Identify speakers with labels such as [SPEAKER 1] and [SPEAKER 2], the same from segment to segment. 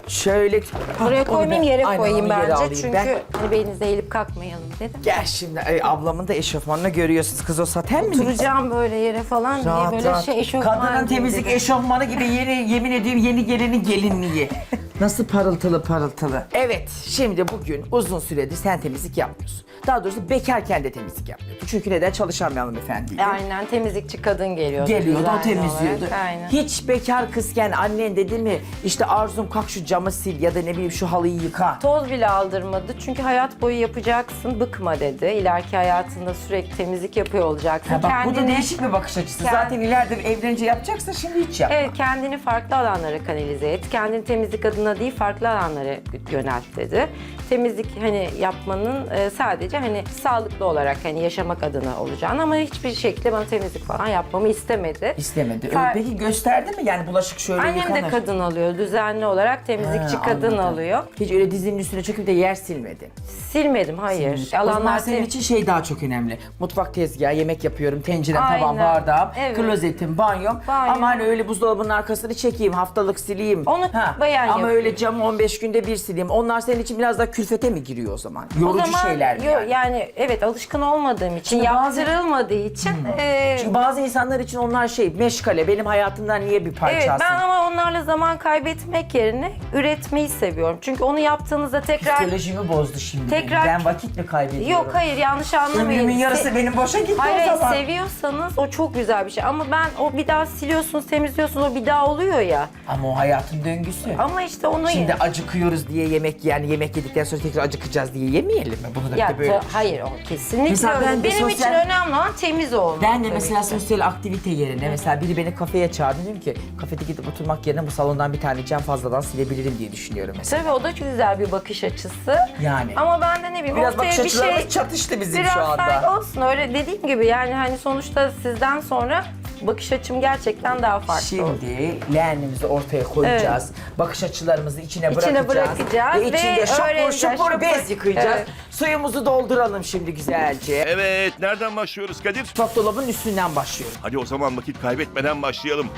[SPEAKER 1] Şöyle...
[SPEAKER 2] Buraya
[SPEAKER 1] onu
[SPEAKER 2] koymayayım,
[SPEAKER 1] ben-
[SPEAKER 2] yere
[SPEAKER 1] Aynen,
[SPEAKER 2] koyayım
[SPEAKER 1] onu yere
[SPEAKER 2] bence.
[SPEAKER 1] alayım
[SPEAKER 2] Çünkü
[SPEAKER 1] ben.
[SPEAKER 2] hani belinize eğilip kalkmayalım dedim.
[SPEAKER 1] Gel şimdi ablamın da eşofmanını görüyorsunuz. Kız o saten mi?
[SPEAKER 2] Oturacağım böyle yere falan diye böyle şey eşofman
[SPEAKER 1] Kadının
[SPEAKER 2] gibi
[SPEAKER 1] temizlik
[SPEAKER 2] dedim.
[SPEAKER 1] eşofmanı gibi yemin ediyorum yeni gelinin gelinliği. Nasıl parıltılı parıltılı. Evet, şimdi bugün uzun süredir sen temizlik yapmıyorsun. Daha doğrusu bekarken de temizlik yapmıyordun. Çünkü neden çalışan bir hanımefendiydi.
[SPEAKER 2] Aynen, temizlikçi kadın geliyordu.
[SPEAKER 1] Geliyordu, o
[SPEAKER 2] düzenli
[SPEAKER 1] temizliyordu.
[SPEAKER 2] olarak, aynen.
[SPEAKER 1] Hiç bekar kızken annen dedi mi işte Arzum kalk şu camı sil ya da ne bileyim şu halıyı yıka.
[SPEAKER 2] Toz bile aldırmadı çünkü hayat boyu yapacaksın, bıkma dedi. İleriki hayatında sürekli temizlik yapıyor olacaksın.
[SPEAKER 1] Ha bak bu da değişik bir bakış açısı. Zaten ileride evlenince yapacaksın, şimdi hiç yapma.
[SPEAKER 2] Evet, kendini farklı alanlara kanalize et. Kendini temizlik adına değil, farklı alanlara yönelt dedi. Temizlik hani yapmanın sadece hani sağlıklı olarak hani yaşamak adına olacağını ama hiçbir şekilde bana temizlik falan yapmamı istemedi.
[SPEAKER 1] İstemedi.
[SPEAKER 2] Fa-
[SPEAKER 1] Peki gösterdi mi yani bulaşık şöyle
[SPEAKER 2] Annem
[SPEAKER 1] yıkanır?
[SPEAKER 2] de kadın alıyor. Düzenli olarak temizlikçi
[SPEAKER 1] Ha,
[SPEAKER 2] kadın
[SPEAKER 1] anladım.
[SPEAKER 2] alıyor.
[SPEAKER 1] Hiç öyle dizinin üstüne çöküp de yer silmedin.
[SPEAKER 2] Silmedim, hayır.
[SPEAKER 1] O zaman senin için şey daha çok önemli. Mutfak tezgahı, yemek yapıyorum, tencerem, tavam,
[SPEAKER 2] Aynen.
[SPEAKER 1] bardağım,
[SPEAKER 2] Evet.
[SPEAKER 1] klozetim, banyom.
[SPEAKER 2] Banyo.
[SPEAKER 1] Ama hani öyle buzdolabının arkasını çekeyim, haftalık sileyim.
[SPEAKER 2] Onu bayan
[SPEAKER 1] Ama
[SPEAKER 2] yapıyor.
[SPEAKER 1] öyle camı 15 günde bir sileyim. Onlar senin için biraz daha külfete mi giriyor o zaman? Yorucu şeyler mi yani?
[SPEAKER 2] Yani evet, alışkın olmadığım için,
[SPEAKER 1] Şimdi bazı-
[SPEAKER 2] yaptırılmadığı için.
[SPEAKER 1] Çünkü bazı insanlar için onlar şey, meşgale, benim hayatımdan niye bir parça
[SPEAKER 2] Evet,
[SPEAKER 1] alsın?
[SPEAKER 2] ben ama onlarla zaman kaybetmek yerine üretmeyi seviyorum. Çünkü onu yaptığınızda tekrar...
[SPEAKER 1] Psikolojimi bozdu şimdi.
[SPEAKER 2] Tekrar-
[SPEAKER 1] Ben vakit mi kaybediyorum?
[SPEAKER 2] Yok hayır, yanlış anlamayın.
[SPEAKER 1] Ömrümün yarısı benim boşa gitti
[SPEAKER 2] Hayır,
[SPEAKER 1] o zaman.
[SPEAKER 2] seviyorsanız o çok güzel bir şey. Ama ben o bir daha siliyorsunuz, temizliyorsunuz, o bir daha oluyor ya.
[SPEAKER 1] Ama o hayatın döngüsü.
[SPEAKER 2] Ama işte onu...
[SPEAKER 1] Şimdi acıkıyoruz diye yemek yani yemek yedikten sonra tekrar acıkacağız diye yemeyelim mi? Bunu da
[SPEAKER 2] Ya,
[SPEAKER 1] bir de böyle.
[SPEAKER 2] hayır, o kesinlikle
[SPEAKER 1] Mesela
[SPEAKER 2] öyle.
[SPEAKER 1] ben de
[SPEAKER 2] Benim için
[SPEAKER 1] sosyal-
[SPEAKER 2] önemli olan temiz olmak.
[SPEAKER 1] Ben de
[SPEAKER 2] tabii
[SPEAKER 1] mesela
[SPEAKER 2] ki.
[SPEAKER 1] sosyal aktivite yerine mesela biri beni kafeye çağırdı, dedim ki kafede gidip oturmak yerine bu salondan bir tane cam fazladan silebilirim diye düşünüyorum mesela.
[SPEAKER 2] Tabii o da güzel bir bakış açısı.
[SPEAKER 1] Yani.
[SPEAKER 2] Ama ben de ne bileyim
[SPEAKER 1] Biraz
[SPEAKER 2] ortaya
[SPEAKER 1] bakış
[SPEAKER 2] bir
[SPEAKER 1] açılarımız
[SPEAKER 2] şey...
[SPEAKER 1] çatıştı bizim
[SPEAKER 2] Biraz
[SPEAKER 1] şu anda.
[SPEAKER 2] saygı olsun, öyle dediğim gibi yani hani sonuçta sizden sonra bakış açım gerçekten daha farklı oldu.
[SPEAKER 1] Şimdi leğenimizi ortaya koyacağız. Bakış açılarımızı içine
[SPEAKER 2] İçine
[SPEAKER 1] bırakacağız.
[SPEAKER 2] bırakacağız
[SPEAKER 1] Ve içinde
[SPEAKER 2] ve
[SPEAKER 1] şapur
[SPEAKER 2] öğreneceğiz,
[SPEAKER 1] şupur
[SPEAKER 2] şupur.
[SPEAKER 1] bez yıkayacağız.
[SPEAKER 2] Evet.
[SPEAKER 1] Suyumuzu dolduralım şimdi güzelce.
[SPEAKER 3] Evet, nereden başlıyoruz Kadir?
[SPEAKER 1] Mutfak dolabının üstünden başlıyorum.
[SPEAKER 3] Hadi o zaman vakit kaybetmeden başlayalım.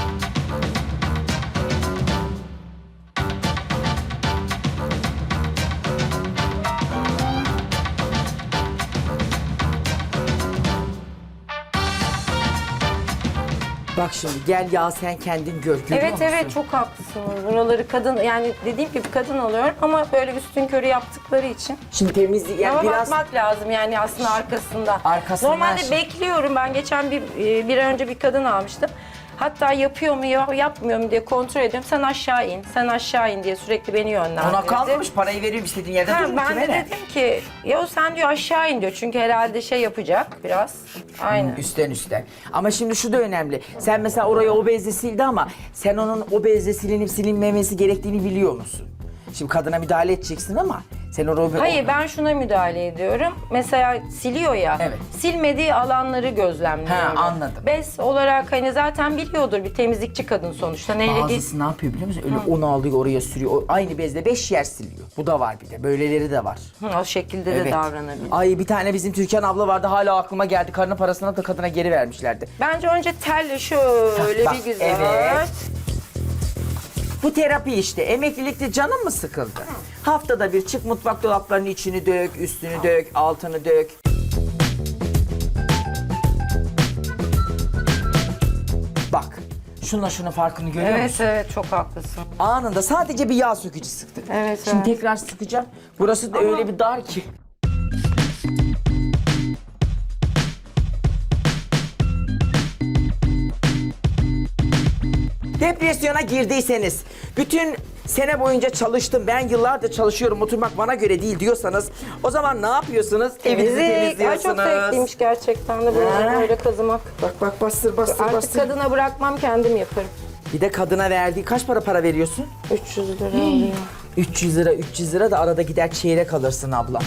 [SPEAKER 1] Bak şimdi gel ya sen kendin gör. Görüyor
[SPEAKER 2] Evet
[SPEAKER 1] musun?
[SPEAKER 2] evet, çok haklısınız. Buraları kadın, yani dediğim gibi kadın alıyorum ama böyle üstün körü yaptıkları için.
[SPEAKER 1] Şimdi temizlik yani
[SPEAKER 2] Ama
[SPEAKER 1] biraz
[SPEAKER 2] bakmak lazım yani aslında arkasında.
[SPEAKER 1] Arkasından
[SPEAKER 2] Normalde
[SPEAKER 1] şey-
[SPEAKER 2] bekliyorum. Ben geçen bir ay önce bir kadın almıştım. Hatta yapıyor mu yapmıyor mu diye kontrol ediyorum. Sen aşağı in, sen aşağı in diye sürekli beni yönlendirdi.
[SPEAKER 1] ona kalmamış, parayı veriyorum istediğin yerde
[SPEAKER 2] Ha,
[SPEAKER 1] dur
[SPEAKER 2] ben
[SPEAKER 1] kime
[SPEAKER 2] de
[SPEAKER 1] ne?
[SPEAKER 2] dedim ki ya sen diyor aşağı in diyor. Çünkü herhalde şey yapacak biraz. Aynen.
[SPEAKER 1] Üstten üstten. Ama şimdi şu da önemli. Sen mesela orayı o bezle sildi ama sen onun o bezle silinip silinmemesi gerektiğini biliyor musun? Şimdi kadına müdahale edeceksin ama sen orayı...
[SPEAKER 2] Hayır, ben şuna müdahale ediyorum. Mesela siliyor ya.
[SPEAKER 1] Evet.
[SPEAKER 2] Silmediği alanları gözlemliyorum.
[SPEAKER 1] Ha, anladım.
[SPEAKER 2] Bez olarak hani zaten biliyordur, bir temizlikçi kadın sonuçta. Neyle
[SPEAKER 1] Bazısı ne yapıyor biliyor musun? Öyle onu alıyor oraya sürüyor. O aynı bezle 5 yer siliyor. Bu da var bir de. Böyleleri de var.
[SPEAKER 2] o şekilde de davranabilir.
[SPEAKER 1] Ay bir tane bizim Türkan abla vardı, hala aklıma geldi. Karının parasını da kadına geri vermişlerdi.
[SPEAKER 2] Bence önce telle şöyle
[SPEAKER 1] Bak,
[SPEAKER 2] bir güzel.
[SPEAKER 1] evet. Bu terapi işte. Emeklilikte canın mı sıkıldı? Haftada bir çık, mutfak dolaplarının içini dök, üstünü dök, altını dök. Bak, şunla şunun farkını görüyor
[SPEAKER 2] Evet
[SPEAKER 1] musun?
[SPEAKER 2] evet, çok haklısın.
[SPEAKER 1] Anında sadece bir yağ sökücü sıktı.
[SPEAKER 2] Evet,
[SPEAKER 1] Şimdi
[SPEAKER 2] evet.
[SPEAKER 1] tekrar sıkacağım. Burası da öyle bir dar ki. Depresyona girdiyseniz, bütün sene boyunca çalıştım, ben yıllardır çalışıyorum, oturmak bana göre değil diyorsanız, o zaman ne yapıyorsunuz? Evinizi
[SPEAKER 2] Ay, çok
[SPEAKER 1] temizliyorsunuz.
[SPEAKER 2] zevkliymiş gerçekten de böyle kazımak.
[SPEAKER 1] Bak bak, bastır bastır
[SPEAKER 2] Artık
[SPEAKER 1] bastır.
[SPEAKER 2] kadına bırakmam, kendim yaparım.
[SPEAKER 1] Bir de kadına verdiği kaç para veriyorsun?
[SPEAKER 2] 300 lira oluyor.
[SPEAKER 1] 300 lira da arada gider çeyrek alırsın ablam.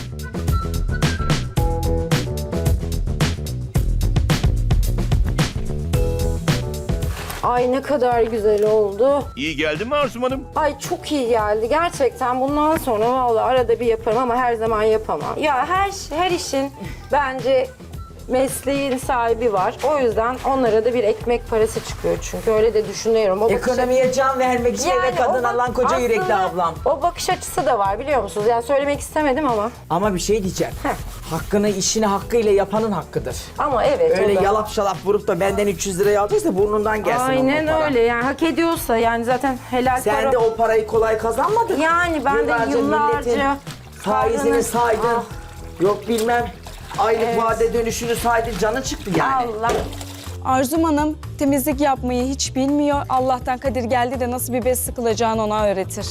[SPEAKER 2] Ay ne kadar güzel oldu.
[SPEAKER 3] İyi geldi mi Arzum Hanım?
[SPEAKER 2] Ay çok iyi geldi gerçekten. Bundan sonra vallahi arada bir yaparım ama her zaman yapamam. Ya her işin bence mesleğin sahibi var. O yüzden onlara da bir ekmek parası çıkıyor çünkü öyle de düşünüyorum. O bakış
[SPEAKER 1] Ekonomiye can vermek için eve kadın
[SPEAKER 2] o bak-
[SPEAKER 1] alan koca yürekli
[SPEAKER 2] aslında
[SPEAKER 1] ablam.
[SPEAKER 2] O bakış açısı da var biliyor musunuz? Yani söylemek istemedim ama.
[SPEAKER 1] Ama bir şey diyeceğim.
[SPEAKER 2] Heh.
[SPEAKER 1] Hakkını işini hakkıyla yapanın hakkıdır.
[SPEAKER 2] Ama evet
[SPEAKER 1] Öyle
[SPEAKER 2] o da.
[SPEAKER 1] yalap şalap vurup da benden 300 liraya aldıysa burnundan gelsin
[SPEAKER 2] Aynen
[SPEAKER 1] onun o para.
[SPEAKER 2] öyle yani hak ediyorsa yani zaten helal
[SPEAKER 1] Sen
[SPEAKER 2] para.
[SPEAKER 1] de o parayı kolay kazanmadın.
[SPEAKER 2] Yani ben de yıllarca
[SPEAKER 1] milletin faizini
[SPEAKER 2] karnını-
[SPEAKER 1] saydın.
[SPEAKER 2] Ah.
[SPEAKER 1] Yok bilmem aylık
[SPEAKER 2] Evet.
[SPEAKER 1] vade dönüşünü saydın, canın çıktı yani.
[SPEAKER 2] Allah.
[SPEAKER 4] Arzum Hanım temizlik yapmayı hiç bilmiyor. Allah'tan Kadir geldi de nasıl bir bez sıkılacağını ona öğretir.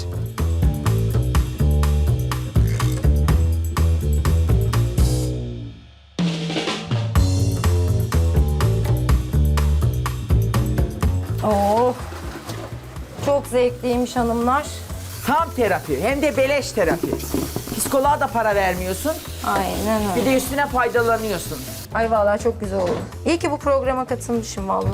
[SPEAKER 2] Oh. Çok zevkliymiş hanımlar.
[SPEAKER 1] Tam terapi, hem de beleş terapi. Psikoloğa da para vermiyorsun,
[SPEAKER 2] Aynen
[SPEAKER 1] bir
[SPEAKER 2] öyle.
[SPEAKER 1] de üstüne faydalanıyorsun.
[SPEAKER 2] Ay vallahi çok güzel oldu. İyi ki bu programa katılmışım vallahi.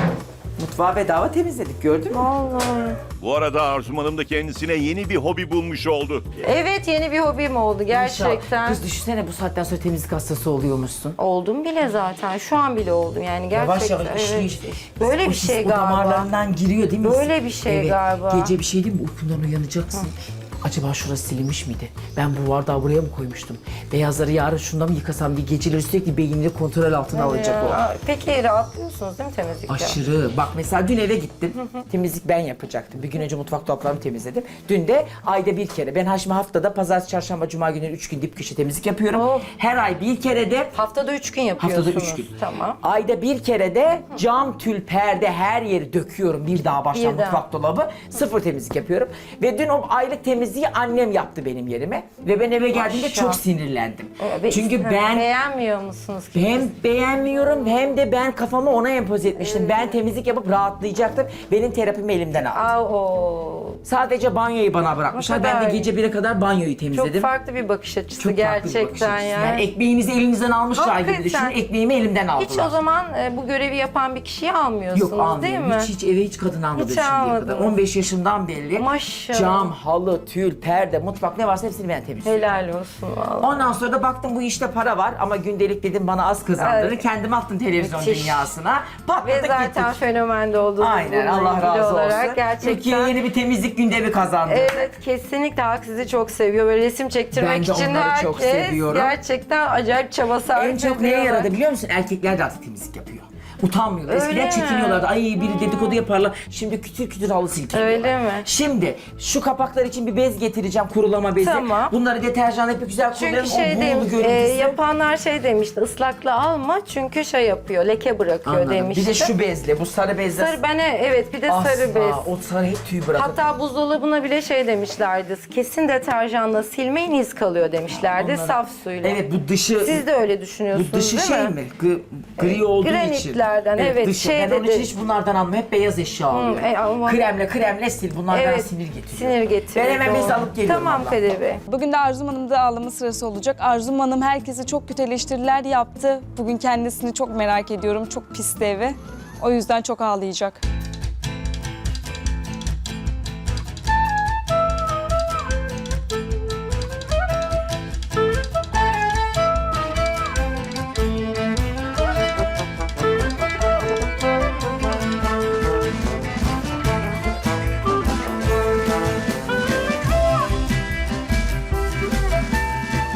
[SPEAKER 1] Mutfağı bedava temizledik, gördün mü?
[SPEAKER 2] Vallahi.
[SPEAKER 3] Bu arada Arzum Hanım da kendisine yeni bir hobi bulmuş oldu.
[SPEAKER 2] Evet yeni bir hobim oldu gerçekten.
[SPEAKER 1] İnşallah. Kız düşünsene bu saatten sonra temizlik hastası oluyormuşsun.
[SPEAKER 2] Oldum bile zaten. Şu an bile oldum yani
[SPEAKER 1] Yavaş
[SPEAKER 2] gerçekten.
[SPEAKER 1] yavaş
[SPEAKER 2] evet.
[SPEAKER 1] işliyor.
[SPEAKER 2] Böyle
[SPEAKER 1] O
[SPEAKER 2] bir
[SPEAKER 1] his
[SPEAKER 2] şey
[SPEAKER 1] o
[SPEAKER 2] galiba.
[SPEAKER 1] damarlarından giriyor değil mi?
[SPEAKER 2] Böyle bir şey galiba.
[SPEAKER 1] Gece bir şey değil mi? Uykundan uyanacaksın. Acaba şurası silinmiş miydi? Ben bu bardağı buraya mı koymuştum? Beyazları yarın şunda mı yıkasam diye geceleri sürekli beynini kontrol altına alacak o.
[SPEAKER 2] Ya, peki rahatlıyorsunuz değil mi temizlikte?
[SPEAKER 1] Aşırı. Bak mesela dün eve gittim. Temizlik ben yapacaktım. Bir gün önce mutfak dolaplarımı temizledim. Dün de ayda bir kere. Ben şimdi haftada pazartesi, çarşamba, cuma günleri 3 gün dip köşe temizlik yapıyorum.
[SPEAKER 2] Oh.
[SPEAKER 1] Her ay bir kere de
[SPEAKER 2] Haftada 3 gün yapıyorsunuz.
[SPEAKER 1] haftada 3 gün.
[SPEAKER 2] Tamam.
[SPEAKER 1] Ayda bir kere de cam, tül, perde her yeri döküyorum. Bir daha baştan
[SPEAKER 2] Bir daha.
[SPEAKER 1] mutfak dolabı. Sıfır temizlik yapıyorum. Ve dün o aylık temizliği annem yaptı benim yerime. Ve ben eve geldiğimde
[SPEAKER 2] Maşallah.
[SPEAKER 1] çok sinirlendim.
[SPEAKER 2] Ve
[SPEAKER 1] Çünkü ben
[SPEAKER 2] beğenmiyor musunuz ki?
[SPEAKER 1] hem beğenmiyorum hem de ben kafamı ona empoze etmiştim. Ben temizlik yapıp rahatlayacaktım. Benim terapimi elimden aldı.
[SPEAKER 2] Aa, o.
[SPEAKER 1] Sadece banyoyu bana bırakmışlar. Ben
[SPEAKER 2] kadar
[SPEAKER 1] de gece 1'e kadar banyoyu
[SPEAKER 2] Çok
[SPEAKER 1] temizledim.
[SPEAKER 2] farklı bir bakış açısı
[SPEAKER 1] Çok farklı bir bakış
[SPEAKER 2] gerçekten
[SPEAKER 1] açısı.
[SPEAKER 2] yani.
[SPEAKER 1] Yani ekmeğimizi elimizden almışlar gibi
[SPEAKER 2] Hakikaten.
[SPEAKER 1] düşünün. Ekmeğimi elimden aldılar.
[SPEAKER 2] Hiç o zaman bu görevi yapan bir kişiyi almıyorsunuz
[SPEAKER 1] Yok almıyorum.
[SPEAKER 2] değil mi?
[SPEAKER 1] Hiç eve hiç kadın almadım
[SPEAKER 2] Hiç
[SPEAKER 1] şimdiye kadar.
[SPEAKER 2] almadınız.
[SPEAKER 1] 15 yaşımdan belli.
[SPEAKER 2] Maşallah.
[SPEAKER 1] Cam, halı, tül, perde, mutfak ne varsa hepsini ben temizliyorum.
[SPEAKER 2] Helal olsun valla.
[SPEAKER 1] Ondan sonra da baktım bu işte para var ama gündelik dedim bana az kazandırır.
[SPEAKER 2] Evet.
[SPEAKER 1] Kendim attım televizyon
[SPEAKER 2] Müthiş.
[SPEAKER 1] dünyasına.
[SPEAKER 2] Ve
[SPEAKER 1] Patladık
[SPEAKER 2] zaten
[SPEAKER 1] gittik.
[SPEAKER 2] fenomende olduğunuz
[SPEAKER 1] Aynen
[SPEAKER 2] bununla
[SPEAKER 1] Allah
[SPEAKER 2] ilgili
[SPEAKER 1] razı
[SPEAKER 2] olarak
[SPEAKER 1] olsun.
[SPEAKER 2] gerçekten.
[SPEAKER 1] Türkiye yeni bir temizlik gündemi kazandı.
[SPEAKER 2] Evet kesinlikle halk sizi çok seviyor. Böyle resim çektirmek
[SPEAKER 1] Ben de
[SPEAKER 2] için
[SPEAKER 1] onları
[SPEAKER 2] herkes
[SPEAKER 1] çok seviyorum.
[SPEAKER 2] gerçekten acayip çaba sarf
[SPEAKER 1] En çok neye
[SPEAKER 2] ediyorlar.
[SPEAKER 1] yaradı biliyor musun? Erkekler de artık temizlik yapıyor. Utanmıyorlar.
[SPEAKER 2] Öyle
[SPEAKER 1] Eskiden
[SPEAKER 2] mi?
[SPEAKER 1] çekiniyorlardı. Ay biri dedikodu yaparlar. Şimdi kütür kütür halı silkeliyorlar.
[SPEAKER 2] Öyle mi?
[SPEAKER 1] Şimdi şu kapaklar için bir bez getireceğim. Kurulama bezi.
[SPEAKER 2] Tamam.
[SPEAKER 1] Bunları deterjanla yapıp güzel kurulayalım.
[SPEAKER 2] Çünkü şey
[SPEAKER 1] o
[SPEAKER 2] demiş,
[SPEAKER 1] buğulu görüntüsü.
[SPEAKER 2] yapanlar şey demişti, ıslakla alma çünkü şey yapıyor, leke bırakıyor
[SPEAKER 1] Anladım.
[SPEAKER 2] demişti.
[SPEAKER 1] Bir de şu bezle, bu sarı bezle.
[SPEAKER 2] Sarı, evet bir de
[SPEAKER 1] Asla,
[SPEAKER 2] sarı bez.
[SPEAKER 1] o sarı hep tüy bırakır.
[SPEAKER 2] Hatta buzdolabına bile şey demişlerdi, kesin deterjanla silmeyin iz kalıyor demişlerdi
[SPEAKER 1] Onlara-
[SPEAKER 2] saf suyla.
[SPEAKER 1] Evet bu dışı...
[SPEAKER 2] Siz de öyle düşünüyorsunuz
[SPEAKER 1] Bu dışı
[SPEAKER 2] değil
[SPEAKER 1] şey
[SPEAKER 2] mi?
[SPEAKER 1] mi? Gri olduğu için.
[SPEAKER 2] Granitlerden, evet,
[SPEAKER 1] Dışı.
[SPEAKER 2] şey
[SPEAKER 1] Ben onun
[SPEAKER 2] dedi-
[SPEAKER 1] için hiç bunlardan almıyorum. Hep beyaz eşya alıyorum.
[SPEAKER 2] ama-
[SPEAKER 1] Kremle sil. Bunlardan
[SPEAKER 2] Evet,
[SPEAKER 1] sinir getiriyor.
[SPEAKER 2] sinir getiriyor.
[SPEAKER 1] Ben hemen bez
[SPEAKER 2] doğru.
[SPEAKER 1] alıp geliyorum.
[SPEAKER 2] Tamam
[SPEAKER 1] abla.
[SPEAKER 2] Kadir Bey.
[SPEAKER 4] Bugün de Arzum Hanım'da ağlama sırası olacak. Arzum Hanım herkese çok kötü eleştiriler yaptı. Bugün kendisini çok merak ediyorum. Çok pisti evi. O yüzden çok ağlayacak.